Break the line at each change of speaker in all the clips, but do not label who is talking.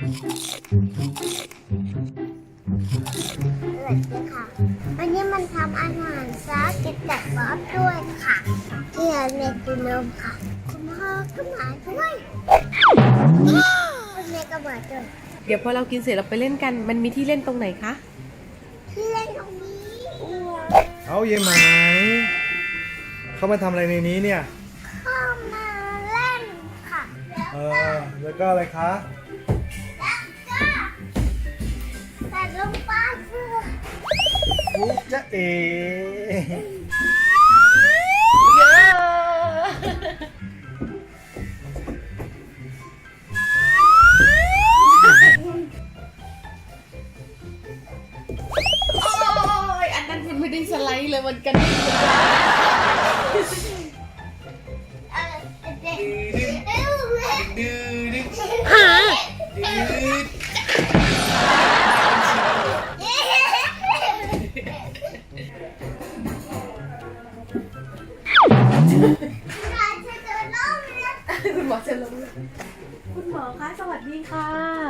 ค่ะวันนี้มันทำอาหารซากินแต่บ๊อบด้วยค่ะเกี๊ยวเนกินนมค่ะคุณพ่อก็มาด้วยคุณแม่ก็มาด้วย
เดี๋ยวพอเรากินเสร็จเราไปเล่นกัน มันมีที่เล่นตรงไหนคะ
ที่เล่นตรงนี้
เอาเย่ไหมเขามาทำอะไรในนี้เนี่ย
เข้ามาเล่นค่ะ
แล้วก็อะไรคะ
แต่ลงไปเพื่อ
อุ๊ยจ๊ะเอ๋
เยอะโอ้ยอันนั้นมันไม่ได้สไลด์เลยมันกระดิ่งเลย
เด็กเอ้ยแม่
ดื้อดื้อ
หา
ดื้อ
คุณหมอจะลงคุณหมอคะสวัสดีค่ะ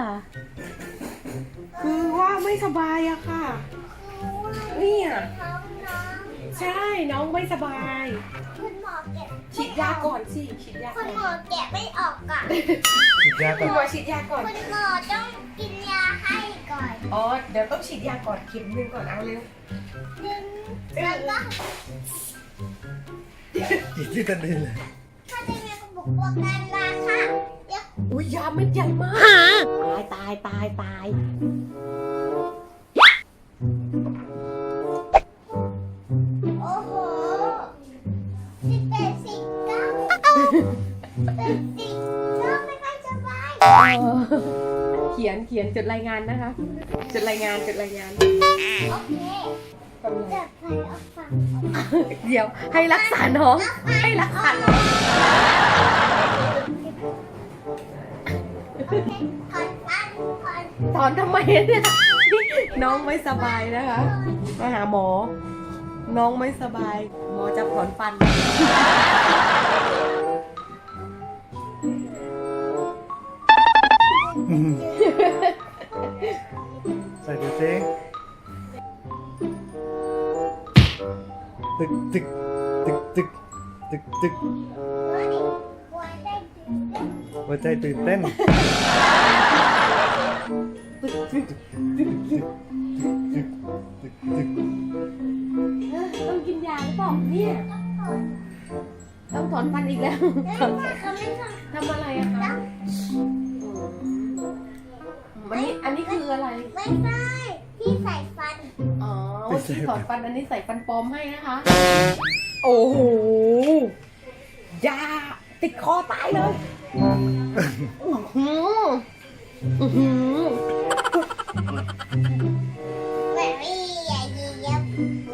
คือว่าไม่สบายอะค่ะเนี่ยใช่น้องไม่สบาย
คุณหมอแกะ
ฉีดยาก่อนสิฉีดยา
คุ
ก่อ
ณ
น
หมอแกะไม่ออกก่อน
ฉีดยาก่
คุ
อ
ณ
น
หมอฉีดยาก่อน
คุณหมอต้องกินยาให้ก่อน
อ๋อเดี๋ยวต้องฉีดยาก่อนเข็มหนึ่งก่อนเอาเร็ว
แล้วก็
ฉีดที่ตันดินเลย
ถ้าจะมีกระบอกบอกการราค่ะเดี๋ยว
อุ้ยยาเม็ดใหญ่มากตายตายตาย
โอ้โห18 19เป็น19ไม่ค่อยสบาย
เขียนจดรายงานนะคะจดรายงาน
โอเค
กำลัง
จะไปเอาฟัง
เดี๋ยวให้รักษาน้องให้รักษาน้อง
โอเคถอนฟันถอน
ถอนทำไมเนี่ยน้องไม่สบายนะคะมาหาหมอ น้องไม่สบาย หมอจะถอนฟัน
ใส่ดูสิตึกตึกตึกตึกตึกตึก
หัวได้ตื่นเต้น
หัวใจตื่นเต้นตึกตึกตึกตึกตึก
ต้องกินยาหรือเปล่าเนี่ยต้องถอนฟันอีกแล้ว
เขาไม่ทำ
ทำอะไรอะคะอันนี้คืออะไร
ไม่ได้ที่ใส่ฟัน
อ๋อที่ถอนฟันอันนี้ใส่ฟันปลอมให้นะคะ โอ้โหยาติดคอตายเลยอื้อหืออื้อหือ
แบบนี้อย่ายีเย็บ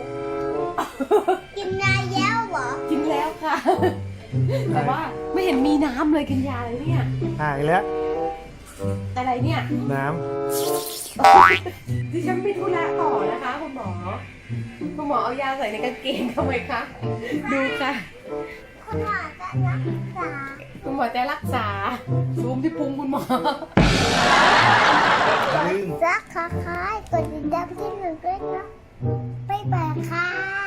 กินยาเย้วเหรอ
กินแล้วค่ะ แต่ว่าไม่เห็นมีน้ำเลยกินยาเลยเนี่ย
หายแล้ว
อะไรเนี่ย
น้
ดิฉันไปธุระต่อนะคะคุณหมอ คุณหมอเอายาใส่ในกางเกงทำไมคะ ดูค่ะ
คุณหมอจะรักษา
คุณหมอจะรักษาซูมที่พุงคุณหมอ
ำลืม
รักค่ะกดติดตามที่หนึ่งด้วยนะบ๊ายบายค่ะ